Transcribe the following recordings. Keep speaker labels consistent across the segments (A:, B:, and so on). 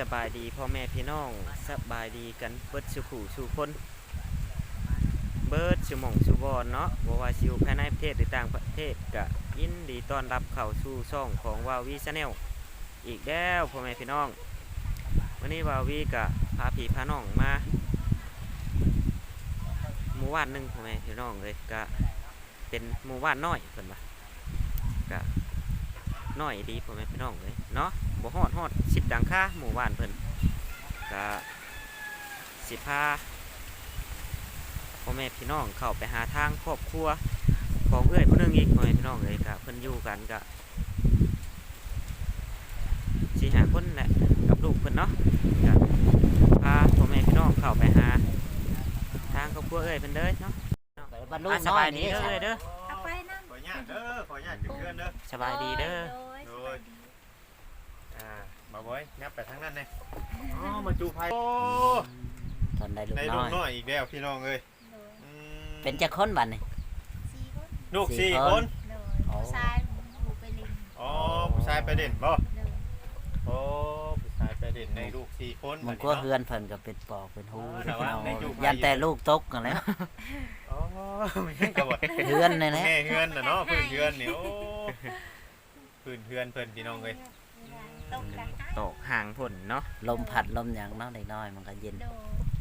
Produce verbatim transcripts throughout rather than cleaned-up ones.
A: บายดีพ่อแม่พี่น้องสบายดีกันเบิดสุขูสู่คนเบิดสุหม่องสุบอนเนาะบ่ว่าสิอยู่ภายในประเทศหรือต่างประเทศก็ยินดีต้อนรับเข้าสู่ช่องของวาวีชาแนลอีกแล้วพ่อแม่พี่น้องวันนี้วาวีก็พาพี่พาน้องมาหมู่บ้านหนึงพ่อแม่พี่น้องเลยก็เป็นหมู่บ้านน้อยเพิ่นว่าก็น้อยดีพ่อแม่พี่น้องเลยเนาะบ่ฮอดฮอดสิบดังค่าหมู่บ้านเพิ่นก็สิพาพ่อแม่พี่น้องเข้าไปหาทางครอบครัวของเอื้อยผู้นึงอีกพ่อแม่พี่น้องเลยก็เพิ่นอยู่กันก็สิหาคนแหละกับลูกเพิ่นเนาะก็พาพ่อแม่พี่น้องเข้าไปหาทางครอบครัวเอื้อยเพิ่นเด้อเนาะ
B: บรรลุ
A: อ่ะส
B: น้อบ
A: าย
B: ย
A: ดี
B: นี่
A: เด้อเอ้ยเด้อ
C: เอาไปนั่ง
D: ขออนุญาตเด้อขออนุญาตถึงเพื่อนเด้อ
A: สบายดีเด้อ
C: โดย
D: อ่ามาบ่อยงับไปทางนั้นเลยอ๋อมาจูไพ่โอ้
B: ตอนได้ลูก
D: ได้
B: น้
D: ลู
B: อก ย
D: น้อยอีกแล้วพี่น้องเอ้ย
C: โดย
D: อืม
B: เป็นจะค้นบัดนี่
C: สี่คน
D: ลูก
B: สี่
D: สี่
B: คน
D: คน
C: โดยผู้ชายผูไปลิง
D: อ๋อผู้ชายไปเด่นบ่
C: โดย
D: โอ้ผู้ชายไปเด่นในลูกสี่คน
B: มันก็
D: บัด
B: เฮือนเพิ่นก็เป็นปอกเป็นหู
D: อ๋อแต่ว่าในอยู่ภาย
B: ยันแต่ลูกตกกันแล้ว
D: อ๋อไม่ใช่กระบอก
B: เฮือนนี่แหละ
D: แม่เฮือนน่ะเนาะพื้นเฮือนนี่โอ้พื้นเฮือนเพิ่นพี่น้องเอ้ย
C: ตกกัน
A: ตกห่างผลเนาะ
B: ลมพัดลมหยังเนาะเด็กน้อยมันก็เย็น
C: โดย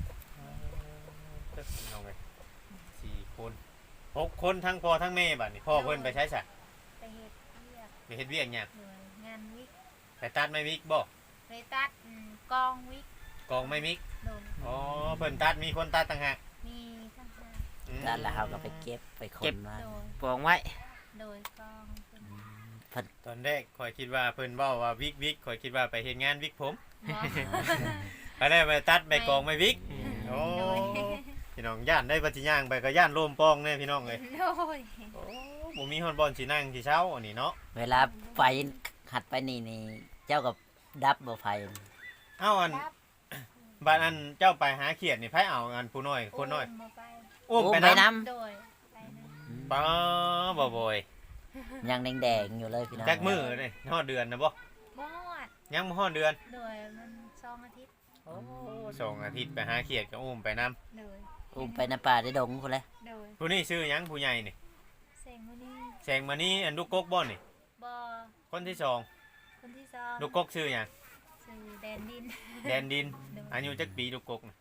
D: พี่น้องเอ้ยสี่คนหกคนทั้งพ่อทั้งแม่บัดนี้พ่อเพิ่นไปใช้ซะ
C: ไปเฮ็ดเรียก
D: ไปเฮ็ดเวียกหยัง
C: โดยงานวิก
D: ไปตัดไม้วิกบ่
C: ไปตัดอืมกองวิก
D: กองไม้มิก
C: โดย
D: อ๋อเพิ่นตัดมีคนตัดต่างหาก
C: มีทั้งห้า
D: อืม
B: ด้านแล้วเขาก็ไปเก็บไปขนมา
C: โดย
A: ปองไว้
C: โดยกองเป็น
B: เพิ่น
D: ตอนแรกข่อยคิดว่าเพิ่นเว้าว่าวิกวิกข่อยคิดว่าไปเฮ็ดงานวิกผม
C: หมอ
D: ไปได้ไปตัดไปกองไม้วิกโอ้
C: โดย
D: พี่น้องย่านได้ปฏิย่างไปก็ย่านโลมปองแน่พี่น้องเอ้ย
C: โดย
D: โอ้บ่มีฮอดบอลสินั่งสิเช้าอันนี้เนาะ
B: เวลาไฟหัดไปนี่นี่เจ้ากับดับบ่ไฟ
D: เอ้าอัน
C: รับ
D: บ้านอันเจ้าไปหาเขียดนี่ไผเอาอันผู้น้อยคนน้อย
C: มาไป
D: อุ้ม
B: โอ้
D: ไป
B: ไป
D: นำ
B: น้
C: โดยไปนะ
B: ำ
D: ป้าบ่บ่อย
B: ยังแดงๆอยู่เลยพี่น้อง
D: จักมื้อนี่ฮอดเดือนนะบ่
C: บอด
D: ยังบ่ฮอดเดือน
C: โดยมันสองอาทิตย์
D: โอ้สองอาทิตย์ไปหาเขียดก็อุ้มไปนำ
C: โดย
B: อุ้มไปในป่าได้ดงพุ่นแหละ
C: โดย
D: ผู้นี้ชื่อหยังผู้ใหญ่นี่
C: เซงวันนี้
D: แสงมานี่อันลูกกกบ่นี่
C: บอ
D: คนที่สอง
C: คนที่สอง
D: ลูกกกชื่อหยัง
C: สื่อแดนดิน
D: แดนดิน
C: โดย
D: อายุจักปีลูกกกน่ะ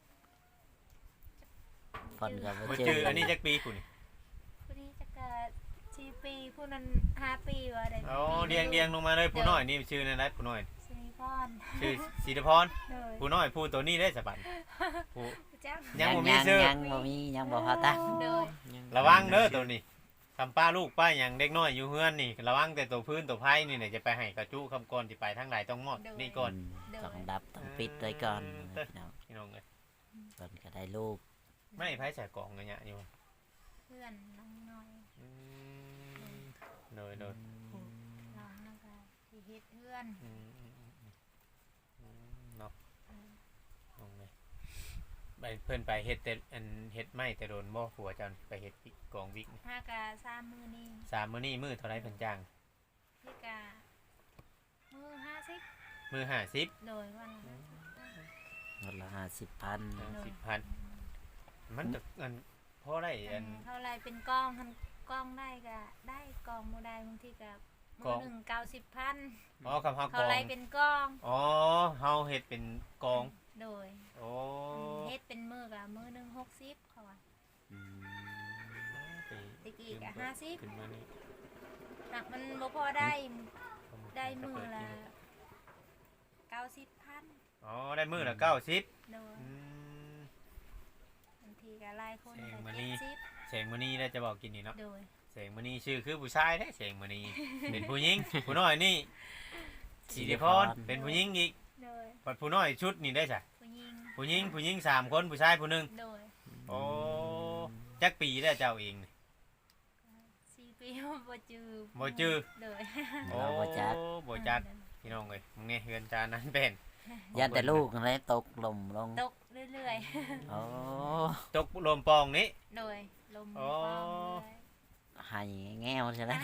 B: เพิ่นก็บ่
D: บ่
B: เจ
D: ชื่
B: อ
D: ออันนี้จักปีผู้นี่
C: ผู้นี้จะเกิดสี่ปีผู้นั้นห้าปีวะเด็ก
D: อ๋อเรียงเรียงลงมาเลยผู้น้อยนี่ชื่อนั่นแหละผู้น้อย
C: สิริพร
D: ชื่อศิริพร
C: โดย
D: ผู้น้อยผู้ตัวนี้ได้สะบัดผู้
C: จ้า
D: ยังบ่มี
B: ยัง
D: ชื่อ
B: ยังบ่มียังบ่พอตั้ง
C: โดย
D: ระวังเด้อตัวนี้ทำป้าลูกป้าหยังเด็กน้อยอยู่เฮือนนี่ระวังแต่ตัวพื้นตัวไผ่นี่เนี่ยจะไปให้กระจุคำก่อนสิไปทางไหนต้องมอดนี่ก่อน
B: ต้องดับต้องปิดไว้ก่อนพี่น้อง
D: พี่น้องเอ้ย
B: เพิ่นก็ได้ลูก
D: ไม่ไผ่ใส่กล่องกันเนี่ยอยู่
C: เพื่อนน้องน้อย
D: อืมโดยโดย
C: น้องแล้วก็ที่เฮ็ดเพื่อน
D: อืมอืมอืมอืมอืมเนาะลงเลยไปเพิ่นไปเฮ็ดแต่อันเฮ็ดไม้แต่โดนบ่ผัวเจันไปเฮ็ดวิกกองวิกนี่
C: ห้ากะสามมือนี่
D: สามมื้อนี้มื้อเท่าไรเพิ่นจ้าง
C: พี่กะมือห้าสิบ
D: มื้อห้าสิบ
C: โดยวันละ
B: วันละห้าสิบพัน
D: สิบพันมันจะอันพอได้อัน
C: เท่าไรเป็นกองทันกองได้กะได้กองโมได้บางทีกะ
D: ก
C: มื
D: อ
C: อง หนึ่งเก้าสิบพัน
D: อ๋อคำเฮาก
C: เท่า
D: อง
C: ไรเป็นกอง
D: อ๋อเฮาเฮ็ดเป็นกอง
C: โดย
D: โอ้
C: เฮ็ดเป็นมือกะมือหนึ่งหกสิบเขาว่า
B: อืม
C: ตะกี้กะห้าสิบ
D: ขึ้นมานี่
C: หนักมันบ่พอได้ได้มือละเก้าสิบพัน
D: อ๋อได้มื้อละเก้าสิบ
C: โดย
D: อืม
C: บางทีกะหลายคน
D: แสง
C: กะ
D: มณี
C: เจ็ดสิบ
D: แสงมื้อนี้ได้จะบอกกินนี่เนาะ
C: โดย
D: แสงมื้อนี้ชื่อคือผู้ชายเด้แสงมื้อนี้ เป็นผู้หญิง ผู้น้อยนี่สิริพรเป็นผู้หญิงอีก
C: โดย
D: บัดผู้น้อยชุดนี่ได้จ้ะ
C: ผู้หญิง
D: ผู้หญิงผู้หญิงสามคนผู้ชายผู้หนึง
C: โดย
D: โอ้จักปีแล้วเจ้าเองนี่
C: สี่ปีบ่จือ
D: บ่จื้อ
C: โดย
D: โอ้
B: เราบ่จัก
D: บ่จักพี่น้องเอ้ยมึงเนี่ยเฮือนจานนั้นเป็น
B: ยันแต่ลูกอะไรตกลมลง
C: ตกเรื่อย
B: โอ้
D: ตกลมปองนี้
C: ๆ โดยลม
D: โอ้
C: ฟ้าเรื่อย
B: ใหายแง้วใช่ไหม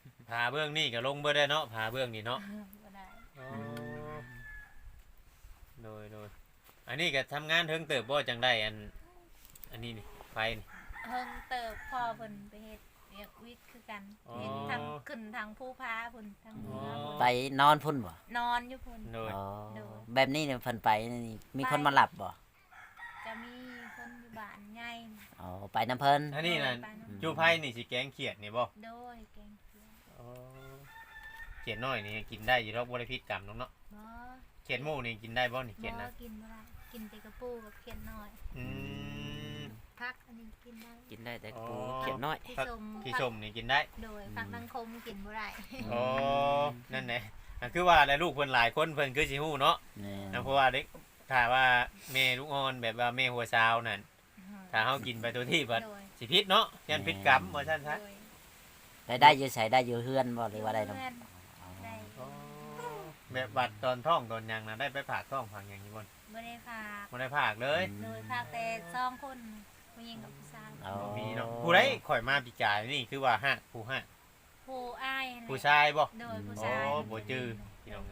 D: ผาเบื้องนี่ก็ลงเบ่ได้เนาะผาเบื้องนี่เนาะ
C: บ่ได้
D: โอ้โดยโดยอันนี้ก็ทำงานเทิงเติบบ่จังได้อันอันนี้นี่ไฟนี่
C: เฮิงเติบพ่อเพิ่นไปเฮ็ดเวียกวิทย์คือกัน
D: อ๋อ
C: เฮ็ดทางขึ้นทางภูพาพุ่นทางเหนือ
D: อ๋อ
C: พุ่น
B: ไปนอนพุ่นบ่
C: นอนอยู่พุ่น
D: โดย
B: อ๋อ
C: โดย
B: แบบนี้เนี่ยเพิ่นไปนี่มีคนมาหลับบ่
C: จะมีคนอยู่บ้านใหญ่
B: อ๋อไปน้ำเพิ่น
D: อันนี้น่ะ
C: โดยไปำ
D: จูไผนี่สิแกงเขียดนี่บ่
C: โดยแกงเขียว
D: อ๋อเขียดน้อยนี่กินได้อยู่ดอกบ่ได้พิษกรรมน้องเนาะ
C: บ่
D: เขียดหมูนี่กินได้บ่นี่เขียด
C: บ่
D: นะ
C: กินบ่ได้กินแต่กระปูกับเขียดน้อย
D: อืม
C: ผักอันนี้กินได้
A: กินได้แต่
D: อ๋อ
A: ปูเขียนน้อย
C: ที่
D: ผัก
C: ชม
D: ที่ชมนี่กินได้
C: โดยผักนังคมกินบ่ได้
D: อ๋อนั่นแหละอ่ะคือว่าแล้วลูกเพิ่นหลายคนเพิ่นคือสิฮู้เนาะ
B: นี่
D: นะเพราะว่าเด็กถ้าว่าแม่ลูกอ่อนแบบว่าแม่หัวซาวนั่นถ้าเฮากินไปตัวที่บัด
C: โดย
D: สิพิษเนาะยันพิษกรรมว่าซั่นซะ
C: โดย
B: ได้ได้อยู่ใส่ได้อยู่เฮือนบ่หรือว่าได้นำ
C: เพื่อนได้
D: อ๋อแบบบัดตอนท้องตอนหยังน่ะได้ไปผากท้องผังหยังอยู่บ่
C: บ่ได้ฝาก
D: บ่ได้ผากเลย
C: โดยฝากแต่สองคนผู้หญิงกับผู้ชาย
B: อ๋อ
D: บ่มีเนาะผู้ใดข่อยมาปีกายนี่คือว่าฮักผู้ฮัก
C: ผู้อ้ายนั่นแหละ
D: ผู้ชายบ่
C: โดยผู้
D: อ๋อ
C: ชาย
D: บ่จื้อพี่น้อง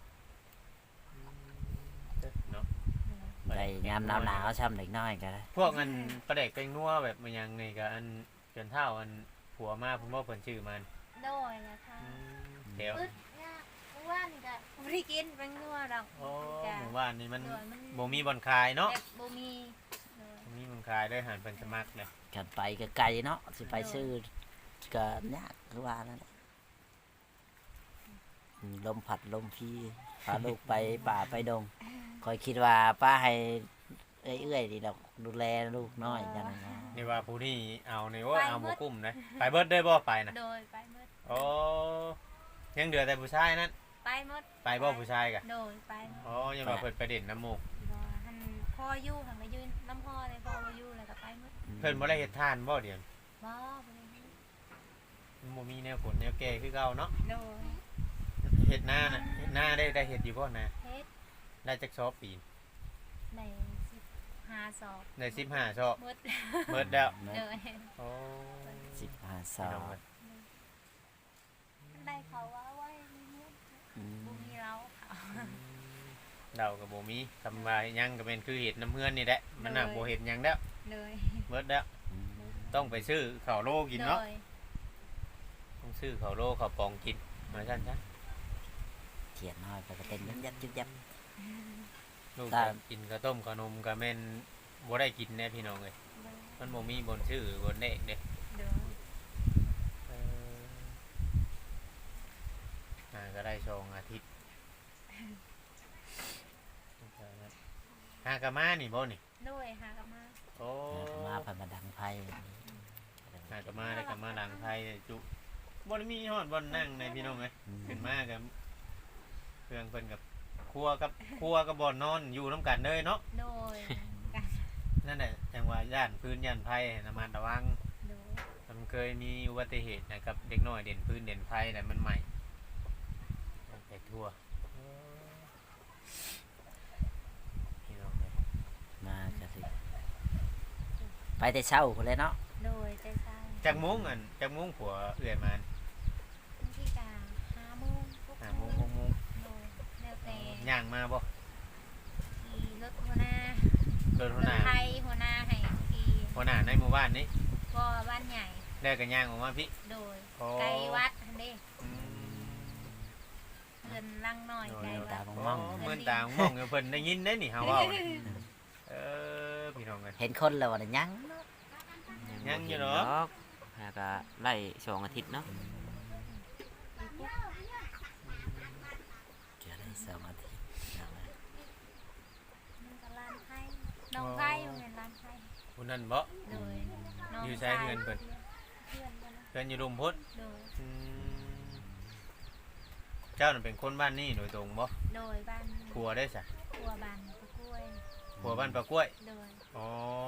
D: เนาะ
B: ได้ยามหนาวๆช้ำเด็กน้อยก็ได้
D: พวกอันประเด็กเป็นนัวแบบมันยังนี่ก็อันจนเท่าอันผัวมาเพิ่นบ่เพิ่นชื่อมัน
C: โดยนะคะ
D: เดี๋ยว
C: อึดยากเมื่อวานนี่ก็บ่ได้กินเป็นนัวดอก
D: โอ้
C: จ้ะ
D: หมู่บ้านนี่มัน
C: โดยมัน
D: บ่มีบ่อนคายเนาะ
C: แบบบ่มีโดย
D: บ่มีบ่อนคายเลยหันเพิ่นสมัครเลย
B: กันไปก็ไกลเนาะสิไปซื้อก็ยากคือว่านั่นแหละอืมลมผัดลมพีพาลูกไปป่าไปดงคอยคิดว่าป้าให้เอื้อยๆดีดอกดูแลลูกน้อยจังนะ
D: นี่ว่าผู้ที่เอานี่ว่าเอาหมู่กุ้มนะไปเบิดได้บ่ไปนะ
C: โดยไปหมด
D: โอ้ยังเหลือแต่ผู้ชายนั้น
C: ไปหมด
D: ไปบ่ผู้ชายกะ
C: โดยไปหมด
D: อ๋อยังว่าเพิ่นไปเด่นน้ำหมูก
C: บ่หันพ่ออยู่หันก็ยืนน้ำพ่อเลยพ่อบ่อยู่แล้วก็ไปหมด
D: เพิ่นบ่ได้เฮ็ดทานบ่เดี๋ยว
C: บ่บ่ได้อยู่
D: มันบ่มีแนวผลแนวแก้คือเก่าเนาะ
C: โดย
D: เฮ็ดหน้าน่ะเฮ็ดหน้าได้ได้เฮ็ดอยู่บ่นะ
C: เฮ็ด
D: ได้จักซอบปีน
C: ได้สิบห้าสอบ
D: ได้สิบห้าซอบ
C: หมด
D: เบิดแล้ว
C: โดย
D: โอ้
B: สิบห้าส
D: พี่
B: อ
D: น้อง งเอ้ย
C: ได้เขาว่าไว้มีเงิน
B: อืม
C: บ่มีเราเขา
D: เดากับโบมีทำว่าหยังก็เป็นคือเห็ดน้ำเพื่อนนี่แหละมันน่ะโบเห็ดหยังแล้ว
C: เลย
D: เบิดแล้ว
B: อืม
D: ต้องไปซื้อข้าวโลกินเนาะ
C: โดย
D: ต้องซื้อข้าวโลข้าวปองกินมาซั่นซะ
B: เขียนน้อยไปก็เต้นยับยับยับยับ
D: ลูก
B: ได้
D: ก็กินข้าวต้มขนมก็แม่นบ่ได้กินแน่พี่น้องเอ้ยมันบ่มีบนชื่อบนเลขเด้
C: โดย
D: เอออ่าก็ได้สองอาทิตย์หากะมานี่บ่นี่
C: โดยหากลับมา
D: โอ้
B: มาพันมาดังไพ่
D: หากะมาได้กะมาดังไผจุบ่ได้มีฮอดบ่อนนั่งในพี่น้องเอ้ย
B: อืม
D: ขึ้นมากับเครื่องเพิ่นกับครัวกับครัวกับบ่อนนอนอยู่น้ำกันเลยเนาะ
C: โดยกัน
D: นั่นแหละจังว่าย่านพื้นย่านไผ่ระมัดระวัง
C: โดย
D: มันเคยมีอุบัติเหตุนะครับเด็กน้อยเด่นพื้นเด่นไผ่แต่มันใหม่ไปทั่วพี่น้องเลย
B: มาก็สิไปแต่เช้าคนเลยเนาะ
C: โดยใจใส่
D: จากมุ้งอันจากมุ้งผัวเอื่อยมา
C: บางทีกาห้าโมงปุ๊บ
D: หาโมุ้งหกโมุ้ง
C: โดยแล้วแต่
D: ย่างมาบ่
C: ขี่รถหัวหน้า
D: โดน
C: ร
D: หัว
C: ถ
D: หน้า
C: ไทยหัวหน้าให้ขี่
D: หัวหน้าในหมู่บ้านนี้
C: ก็บ้านใหญ่
D: แล้วก็ย่างออกมาพี่
C: โดย
D: โอ้
C: ไกลวัดอันนี้
D: อืม
C: เงินลังหน่อยไกล
B: ตา
C: วัด
B: ม
D: อ๋
B: อ
D: อง เหมือนตามมองอยู่เพิ่นได้ยินได้นี่เฮาเว้านี่เออพี่น้องเอ้ย
B: เห็นคนแล้ววันยัง
D: ยังอยู่
A: บ่เห็น
D: เนาะ
A: ดอกหากะไล่สองอาทิตย์เนาะ
B: เกี่ยวได้สองอาทิตย์เอาไว้
C: มันก็ร้านไทยน้องไก่มันเป็นร้านไทย
D: ผู้นั้นบ่
C: โดยน้ง
D: อยู่ใช้เงินเพิ่น
C: เพื่อนเพิ่นนะ
D: เพิ่นอยู่รุมพุทธ
C: โดย
D: อืมเจ้าน่ะเป็นคนบ้านนี้โดยตรงบ่
C: โดยบ้าน
D: ผัวได้ซะ
C: ครัวบ้านตะกล้วย
D: ผัวบ้านปลากล้วย
C: โดย
D: อ๋อ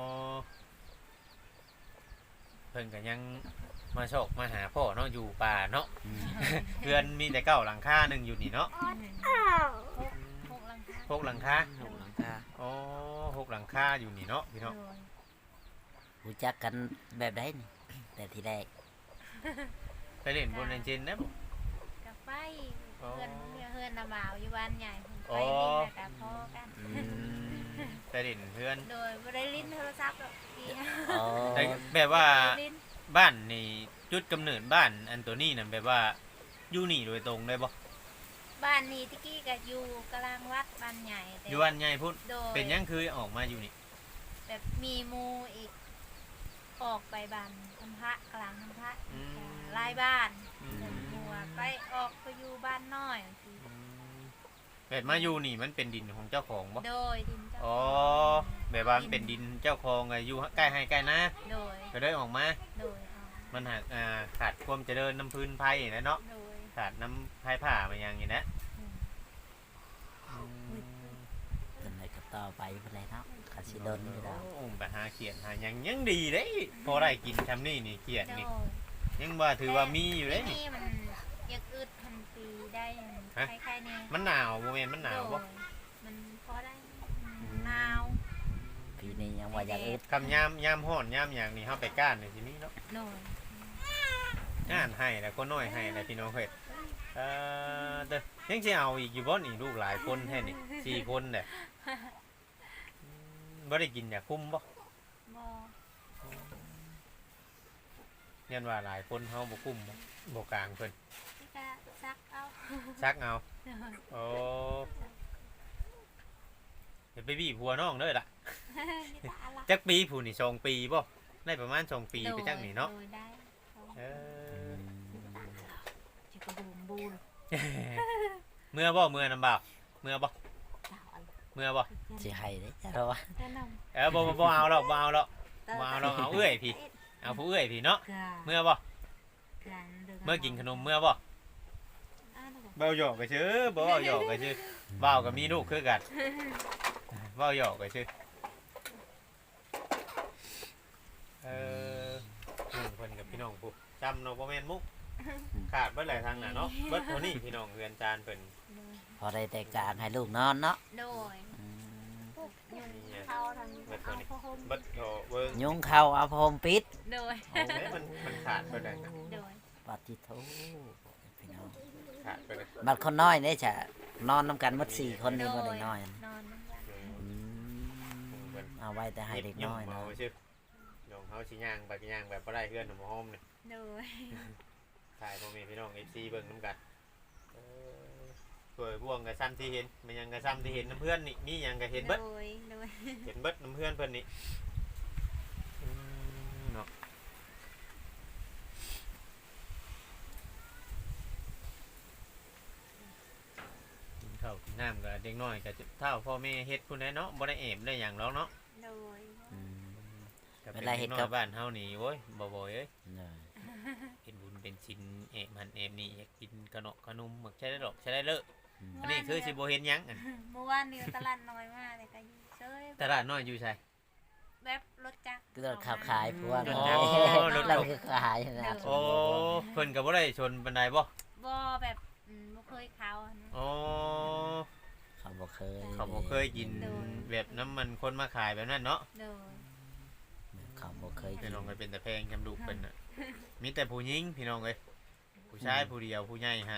D: เพิ่นก็ยังมาโชคมาหาพ่อเนาะอยู่ป่าเนาะ
B: อืม
D: เพื่อนมีแต่เก้าหลังคาหนึงอยู่นี่เนาะ
C: หกหกหลังคา
D: หกหลังคา
A: หกหลังคา
D: อ๋อหกหลังคาอยู่นี่เนาะพี่เนาะ
C: โดย
B: รู้จักกันแบบไดนี่แต่ทีแรก
D: ไปเล่นบนเลนเจนนะบ่
C: กับไป
D: อ๋อ
C: เพื่อนเพื่อนนาบ่าวอยู่บ้านใหญ่เพิ่นไปลิ้นแล้วก็พอกัน
B: อืม
D: ไปดินเพื่อน
C: โดยบ่ได้ลิ้นโทรศัพท์หรอกพี่
B: อ๋อ
D: แต่แบบว่า
C: ลิ้น
D: บ้านนี่จุดกำเนิดบ้านอันตัวนี้นั่นแบบว่าอยู่นี่โดยตรงได้บ่
C: บ้านนี้ตะกี้ก็อยู่กลางวัดบ้านใหญ่แต่
D: อยู่บ้านใหญ่พุ่น
C: โดย
D: เป็นหยังคือออกมาอยู่นี่
C: แบบมีหมูอีก ออกไปบ้านทำพระกลางทำพระ
D: อืม
C: หลายบ้าน
D: อืม
C: แต่หมัวไปออกไปอยู่บ้านน้อยบางที
D: แบบมาอยู่นี่มันเป็นดินของเจ้าของบ่
C: โดยดินเจ้า
D: อ๋อแบบว่ามันเป็นดินเจ้าของไงอยู่ใกล้ให้ใกล้นะ
C: โดย
D: ก็เลยออกมา
C: โดยเอา
D: มันหักอ่าขาดความเจริญน้ำพื้นไผ่นะเนาะ
C: โดย
D: ขาดน้ำไผ่ผ่ามาอย่างนี้นะ
C: อืม
B: เป็นไรก็ต่อไปเป็นไรเนาะคาสิโดนอยู่แล้ว
D: โอ้ไปหาเขียนหาหยังยังดีเด้พอได้กินทำนี่นี่เขียน
C: โด
D: นี่
C: ย
D: ยังว่าถือว่ามีอยู่เด้
C: แต่
D: นี่
C: นี่มันอยากอึดพันปีได้
D: ฮะ
C: คล้ายๆนี่
D: มันหนาวโมเมนต์มันหนาวบ่
C: โดยมันพอได้หนาว
B: ปีนี้ยังว่าอยากอึด
D: คำยามยามห้อนยามอย่างนี้เฮาไปก้านนี่สิมีเนาะ
C: โดย
D: ก้านให้แล้วก็น้อยให้แล้วพี่น้องเฮ็ดเอ่อเด้อยังสิเอาอีกอยู่บ่นี่ลูกหลายคนแท้นี่สี่คนเด้ออืมบ่ได้กินอยากคุ้มบ่
C: บ่
D: ยันว่าหลายคนเฮาบ่คุ้มบ่บ่กลางเพิ่น
C: นี่ก็ซักเอา
D: ซักเอา
C: โดย
D: โอ้เดี๋ยวไปบี้ผัวน้องเด้อล่ะ
C: นี่ตาละ
D: จักปีผู้นี่สองปีบ่ได้ประมาณสองปีไปจักนี่เนาะ
C: โดยได้
D: เอ
B: อื
D: อ
B: ม
C: จะกระบูมบูน
D: เมื่อบ่เมื่อนำบ่าวเมื่อบ่
C: สาวอะไร
D: เมื่อบ่
B: สิให้เด้เพราะว่า
C: แนะน
D: เออบ่บ่บ่เอาหรอกบ่เอาหรอก
C: ำ
D: บ่เอาหรอกเอาเอื้อยพี่เอาผู้เอื้อยพี่เนาะ
C: กา
D: เมื่อบ่
C: กาดิ
D: เมื่อกินขนมเมื่อบ่
C: อ่านั่นแหละ
D: เว้าหยอกก็ชื่อบ่เว้าหยอกก็ชื่อเว้าก็มีลูกคือกันเว้าหยอกก็ชื่อเอออืมเพิ่นกับพี่น้องผู้จำเนาะบ่แม่นมุกขาดเบิดหลายทางน่ะเนาะเบิดเท่านี้พี่น้องเรือนจานเพิ่น
B: พอได้แต่กลางให้ลูกนอนเนาะ
C: โดย
B: อืม
C: พวกยุงเข้าทางเอาผ้าห่ม
D: เบิดโถเบิ่ง
B: ยุงเข้าเอาพรมปิด
C: โดย
D: เอ้ยมันมันขาดไปเลยนะ
C: โดย
B: ปฏิโทพี่น้อง
D: ขาดไปเลย
B: บัดคนน้อยเนี่ยจะนอนน้ำกันหมดสี่คนนี่บ่ได้น้อย
C: นอนนั่งกัน
B: อืมเอาไว้แต่ให้เด็กน้อย
D: เนาะ
B: เนาะ
D: ชื่อน้องเขาสิย่างไปย่างแบบบ่ได้เพื่อนของหม้อมเนี่ย
C: โดย
D: ถ่ายพ่อแม่พี่น้อง เอฟ ซี เบิ่งน้ำกันเออสวยบ่วงกับซ้ำที่เห็นมันยังกับซ้ำที่เห็นน้ำเพื่อนนี่มีหยังก็เห็นเบิด
C: โดยโดย
D: เห็นเบิดน้ำเพื่อนเพิ่นนี่อืมเนาะกินข้าวกินน้ำกับเด็กน้อยกับเท่าพ่อแม่เฮ็ดพุ่นได้เนาะบ่ได้แอบได้หยังหรอกเนาะ
C: โดย
B: อืม
D: ก็
B: เว
D: เป็น
B: ลา
D: เด็
B: เฮ็
D: ก
B: ด
D: น้อ
B: กั
D: ย
B: บ
D: บ้านเฮานี่โว้ยบ่บ่อยเอ้ย
B: เนอะ
D: เฮ็ดบุญเป็นชิ้นแอบหันแอบนี่อยากกินขนมขนมหมักใช้ได้ดอกใช้ได้เลอะ
B: อืม
D: อันนี้คือสิบ่เห็นหยังอัน
C: เมื่อวานนี้ตลาดน้อยมากเลยก็อยู่เฉย
D: ตลาดน้อยอยู่ไส
C: แบบรถจักร
B: ก็ขับขายพวก
D: อ๋อ
B: รถเราคือขายนะ
D: โอ้เพิ่นก็บ่ได้ชนปานใดบ่
C: บ่แบบอืมบ่เคยเขาอะนะ
D: อ๋อ
B: เขาบอกเคย
D: เขาบ่เคยกินแบบน้ำมันคนมาขายแบบนั้นเนาะ
C: โดย
B: เขาบอกเคย
D: พี่
B: กิน
D: น้องก็เป็นแต่แพงจำลูกเพิ่นน่ะมีแต่ผู้หญิงพี่น้องเอ้ยผู้ชายผู้เดียวผู้ใหญ่ฮะ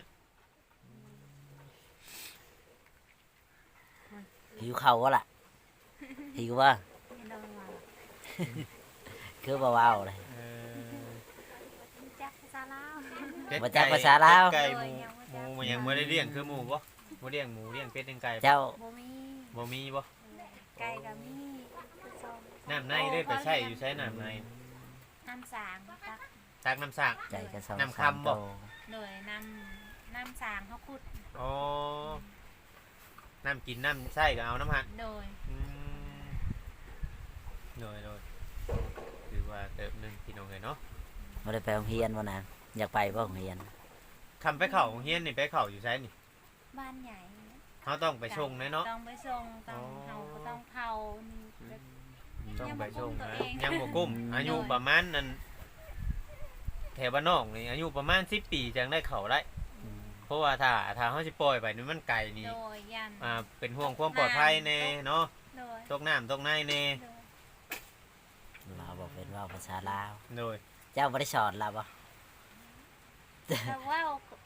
B: หิวเขาวะล่ะหิวว่า
C: ไม่โดนว่า
B: คือเบาๆเลย
D: เออ
C: จักรภาษาลาว
D: เป็ด
B: บ่จักภาษาลาว
D: ไก่หมูหมูมันยังบ่ได้เลี้ยงคือหมูบ่บ่เลี้ยงหมูเลี้ยงเป็ดเลี้ยงไก่บ่
B: เจ้า
C: บ่มี
D: บ่มีบ่
C: ไก่ก็มีคือส้ม
D: น้ำในได้ไปใช้อยู่ใช้น้ำใน
C: น้ำสางจัก
D: ตักน้ำสาก
B: ใจกระสอบ
D: น้ำ
B: สาม
D: คำบ่
B: โต
C: โดยน้ำน้ำสางเขาขุด
D: อ๋อน้ำกินน้ำใช่ก็เอาน้ำหัก
C: โดย
D: อืมโดยโดยคือว่าเติบหนึงพี่น้องเอ้ยเนาะ
B: ไม่ได้ไปโรงเรียนวะนะอยากไปบ่โรงเรียน
D: คำไปเข้าโรงเรียนนี่ไปเข้าอยู่ใช้นี่
C: บ้านใหญ่
D: เขาต้องไปชงแน่เนาะ
C: ต้องไปส่งต้อง
D: อ๋อ
C: เฮาก็ต้องเผานี่แบบ
D: ต้องไปชงนะ
C: ยังบ่กุ้มตัวเอง
D: ยังบ่กุ้มอายุประมาณนั้นแถวบ้านนอกนี่อายุประมาณสิบปีจังได้เข้าได้
B: อืม
D: เพราะว่าถ้าถ้าเขาสิปล่อยไปนี่มันไกลนี่
C: โดยยัน
D: อ่าเป็นห่วงความปลอดภัยแน่เนาะ
C: โดย
D: ตกน้ำตกในแน่
C: โดย
B: เราบอกเป็นว่าภาษาลาว
D: โดย
B: เจ้าบริสอนเราบ่
C: แต่ว่า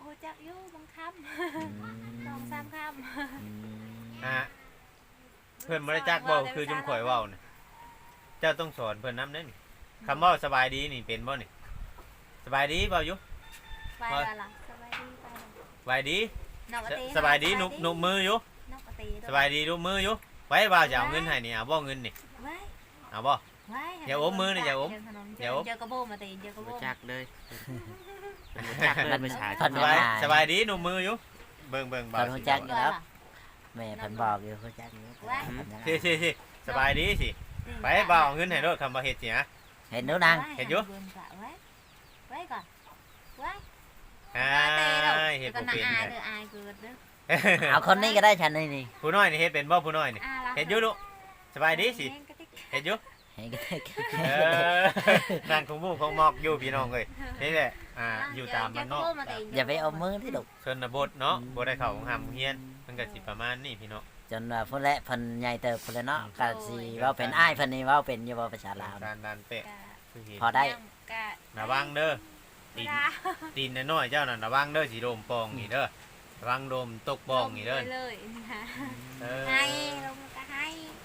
C: โอ้จักอยู่บางค
B: อืม
C: ำสองสามค
B: อืม
D: อ่ะ
C: ำ
D: เพิ่นบ่ได้จักเว้าคือจุมข่อยเว้านี่เจ้าต้องสอนเพิ่นนำเด้นี่คำเว้าสบายดีนี่เป็นบ่นี่สบายดีเว้าอยู่
C: ไปแล้วล่ะสบายดีไปแล้ว
D: สบายดี
C: นอกกะตี
D: สบายดีนุบนุบมืออยู่
C: นอกกะตี
D: สบายดีนุบมืออยู่ไว้บ่าวจะเอาเงินให้นี่เอาบ่เงินนี่
C: ไว้
D: เอาบ่
C: ไว้
D: อย่าอมมือนะอย่าอม
C: เจอเจอกระโบมาตีเจอกระโบ
A: บ่จักเลยมันบ่จักเลยภาษา
B: เพิ่น
D: ส
B: บ่
D: บาย
B: ได้
D: สบายดีนุบมืออยู่เบิ่งเบิ่งบ่าว
B: เพิ่นรู้จักอยู่แล้วแม่เพิ่นบอกอยู่รู้จักอยู่เพิ่นยัง
D: สิสิสิสบายดีสิไปบ่าวเอาเงินให้โลดคำว่าเฮ็ดสิฮะ
B: เห็นหนูนาง
D: เห็นอยู่
C: ไว้ไว้ก่อนไว้
D: อ่า
C: เตะเรา
D: เฮ็ด
C: ก็
D: บ่
C: น่า
D: เป็น
C: อาย
D: เลย
C: เด้ออายเกิดเด้อ
B: เอาคนนี้ก็ได้ฉันนี่นี่
D: ผู้น้อยนี่เฮ็ดเป็นบ่ผู้น้อยนี่
C: อ่ารัก
D: เฮ็ดอยู่ลูกสบายดีสิเฮ็ดอยู่
B: เห็นก็ได้
D: เออนั่นของหมู่ของหมอกอยู่พี่น้องเอ้ยนี่แหละอ่าอยู่ตามบ้านนอก
B: อย่าไปเอามือที่ดุ
D: ชนบทเนาะบ่ได้เข้าของหำเฮียนมันก็สิประมาณนี้พี่น้อง
B: จนว่าพุ่นแหละเพิ่นใหญ่เติบพุ่นแล้วเนาะก็สิเว้าเป็นอ้ายเพิ่นนี่เว้าเป็นอยู่บ่ภาษาลาว
D: ดานดานเป๊ะ
C: กะ
D: คือเห็น
B: พอได้
C: กะ
D: ระวังเด้อ
C: เว
D: ตีน
C: ลา
D: ตีนน้อยๆเจ้านั่นระวังเด้อสิโดมปองนี่เด้อระวังโดมตกปองนี่เด้อ
C: เลยนะคะ
D: เออ
C: ให้ลงก็ให้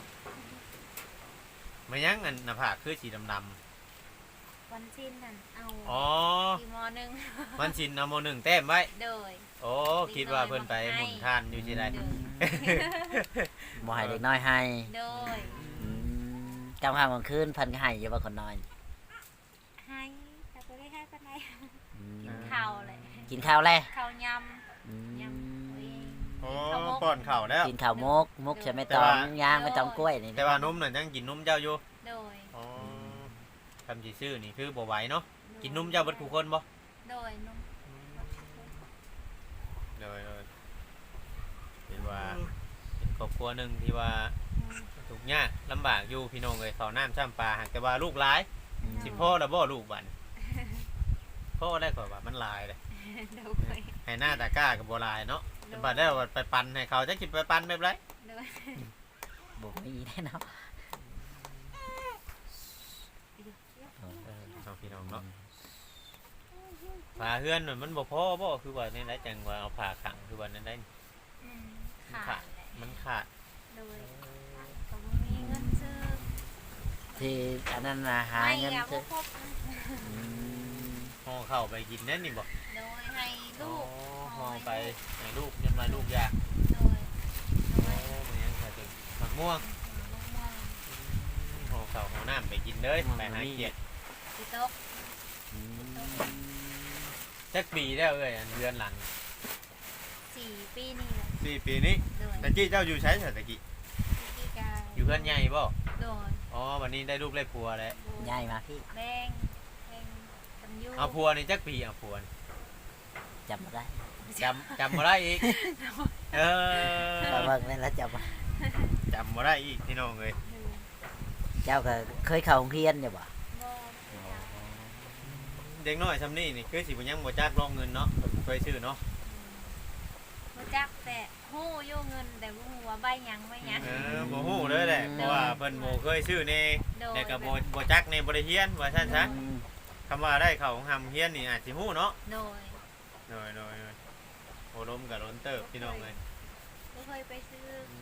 D: มันยังอันหน้าผากคือสีดำ
C: วันสิ้นนั่นเอา
D: ๆอ๋อ
C: กี่มอหนึ่ง
D: มันชินเอาโมหนึ่งแต้มไว้
C: โดย
D: โอ้คิดว่าเพิ่นไปหมุนทานอยู่สิได้
C: โดย
B: บ่ให้เด็กน้อยให้
C: โดย
B: อืมกลางค่ำกลางคืนเพิ่นก็ให้อยู่ว่าคนน้อย
C: ให้แต่ก็ได้ให้ปานใด
B: อืม
C: กินข้าวเลย
B: กินข้าวแล้ว
C: ข้าวย
B: อืม
C: ำยำเอง
D: โอ้ป้อนข้าวแล้ว
B: กินข้าวมกมกใช่ไหมตองย่างไม่ต้องกล้วยนี่
D: แต่ว่านมน่ะยังกินนมเจ้าอยู่
C: โดย
D: อ๋อคำสิซื้อนี่คือบ่ไหวเนาะกินนมเจ้าเบิดทุกคนบ่
C: โดยนม
D: เลยเลยเป็นว่าเป็นครอบครัวหนึ่งที่ว่าทุกข์ยากลำบากอยู่พี่น้องเลยเขาวน้ำช่ำปลาหากแต่ว่าลูกหลาย
B: อืม
D: สิพ่อแล้วบ่ลูกบันพ่อได้ก่อนว่ามันหลายเลย
C: โดย
D: ให้หน้าตาก้ากับบัวลายเนาะแต่บัดได้ว่าไปปันให้เขาจะคิดไปปันแบบไร
C: โดย
B: บ่มีแน่เนาะ
D: เอาพี่น้องเนาะปลาเฮือนน่ะมันบ่พอบ่คือว่าในไรจังว่าเอาผ่าขังคือว่าในไร
C: อืมขาดแหละ
D: มันขาด
C: โดยก็บ่มีเงินซื้อ
B: ที่อันนั้นน่ะหา
C: ไม่
B: เงิน
C: อยาก
B: ซื้อ
C: พบ
B: อืม
D: ห่อเข้าวไปกินนั่นนี่บ่
C: โดยให้ลูก
D: ห่อไปให้ลูกจนมาลูกยาก
C: โดยโด
D: โอ้
C: ย
D: มันยังขาดถึงมะม่วง
C: ลงมา
D: ห่อข้าวห่อน้ำไปกินเลยไปหาเกียรติ
C: สิโต๊ะ
B: อืม
D: จักปีแล้วเอ้ยอันเดือนหลัง
C: สี่ปีนี่แหละ
D: สี่ปีนี้
C: โดย
D: ตะกี้เจ้าอยู่ใช้ตะกี้
C: พี่กา
D: อยู่เพื่อนใหญ่บ่
C: โดย
D: อ๋อวันนี้ได้ลูกได้ผัวแล้ว
B: ใหญ่มาพี่
C: แดงแดงกันยู
D: เอาผัวนี่จักปีเอาผัวนี่
B: จำบ่ได้
D: จำจำบ่ได้อีกเออ
B: ก็เบิ่งนั่นแล้วจำบ่
D: จำบ่ได้อีกพี่น้องเลย
B: เจ้าก็เคยเข้าโรงเรียนอยู่บ่
C: บ่
D: เด็กน้อยซำนี้นี่คือสิบ่ยังบ่จักรองเงินเนาะเคยซื้อเนาะ
C: บ่จักแต่ฮู้อยู่เงินแต่บ่ฮู้ว่าใบหยังใบหยัง
D: เออบ่ฮู้เลยแหละเพราะว่าเพิ่นบ่เคยซื้อนี่
C: โดย
D: แต่ก็บ่บ่จักในบ่ได้เรียนว่าซั่นซะ
B: อืม
D: คำว่าได้เข้าของหำเรียนนี่อาจสิฮู้เนาะ
C: โดย
D: โดยโดยโดยโอ้ลมกับล้นเติบพี่น้องเลย
C: บ่เคยไปซื้อ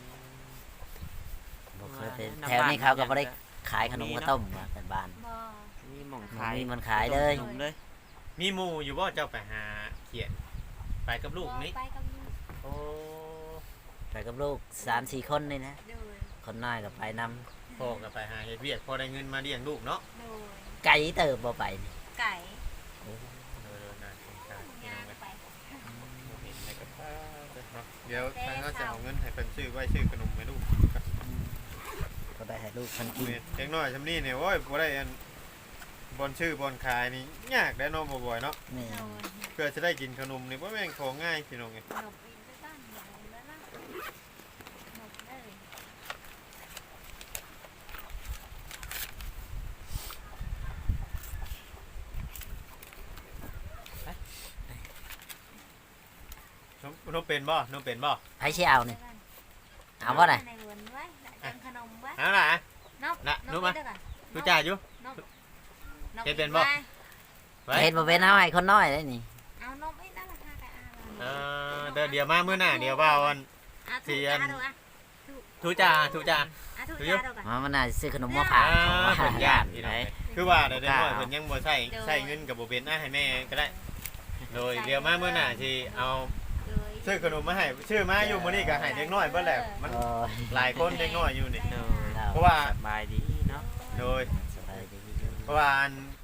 B: บ่เคยไปแถวนี้เขาก็บ่ได้ขายขนมข้าวต้มว่าเป็นบ้าน
C: บ่
A: มีหม่อง
B: บ่
A: ขาย
B: มีมันขายเลย
A: ขนมเลย
D: มีหมู่อยู่บ่เจ้าไปหาเขียนไปกับลูกนี่
C: ไปกับลูก
D: โอ้
B: ไปกับลูกสามสี่คนนี่นะ
C: โดย
B: คนน้อยก็ไปนำ
D: พ่อก็ไปหาเฮ็ดเวียกพอได้เงินมาเลี้ยงลูกเนาะ
C: โดย
B: ไก่เติบบ่ไปนี่
C: ไก่
D: เออน่าสงสารพี่น้
C: ย่า
D: อง
C: ง
D: เลย
C: ไป
D: บ่เห็นในกระเป๋าเลยเนาะเดี๋ยวทางเขาจะเอาเงินให้เพิ่นซื้อไว้ซื้อขนมให้ลูก
B: ก็ได้ให้ลูกเพิ่นกิน
D: เด็กน้อยซำนี้เนี่ยโอ้ยบ่ได้อันบอนชื่อบอนขายนี่ยากได้เนาะบ่อยๆเนาะ
B: นี่
C: โดย
D: เพื่อจะได้กินขนมนี่บ่แม่นของง่ายพี่น้องเอ้ย
C: หลบอีกด้วยกันหลบแล้วนะหลบเลย
D: นมนมเป็นบ่นมเป็นบ่
B: ไผสิเอานี่เอาบ่ได้
C: ในเรือนไว้จังขนมไว้
D: เอาล่ะ
C: นบ
D: น่ะ
C: น
D: รู้
C: บ
D: ไหม
C: ไปด้วยกัน
D: รู้จักอยู่
C: นบนบ
D: เฮ็ดเป็นบ่
C: ไว้
D: ไว้
B: เฮ็ดบ่เป็นเอาให้คนน้อยได้นี่
C: เอานมไอ้นั่นราคากันเอา
D: เด้อเดี๋ยวมามื้อหน้าเดี๋ยวว่าวัน
C: อ่ะ
D: เสี
C: ถู
D: ย
C: ก
D: น
C: จ้าดูอ่ะ
D: ทุจ่าทุจ่า
C: อ่ะถูก
D: ดูอยู่
C: จ้าดูก่อน
B: มามันน่าสิซื้อขนมมาฝา
D: อ่าก
B: ของว่า
D: เพิ่นย่านพี่น้อง
B: ไหน
D: คือว่าได้น้อยเพิ่นยังบ่ใช้ใช้เงินก็บ่เป็นอ่ะให้แม่ก็ได้ โดยเดี๋ยวมามื้อหน้าสิเอา
C: เลย
D: ซื้อขนมมาให้ชื่อมาอยู่มื้อนี้ก็ให้เด็กน้อยเบิดแหละมัน
B: โอ้ย
D: หลายคนเด็กน้อยอยู่นี่
A: โดย
D: เพราะว่า
A: สบายดีเนาะ
D: โดย
B: สบายดี
D: เพราะว่าอัน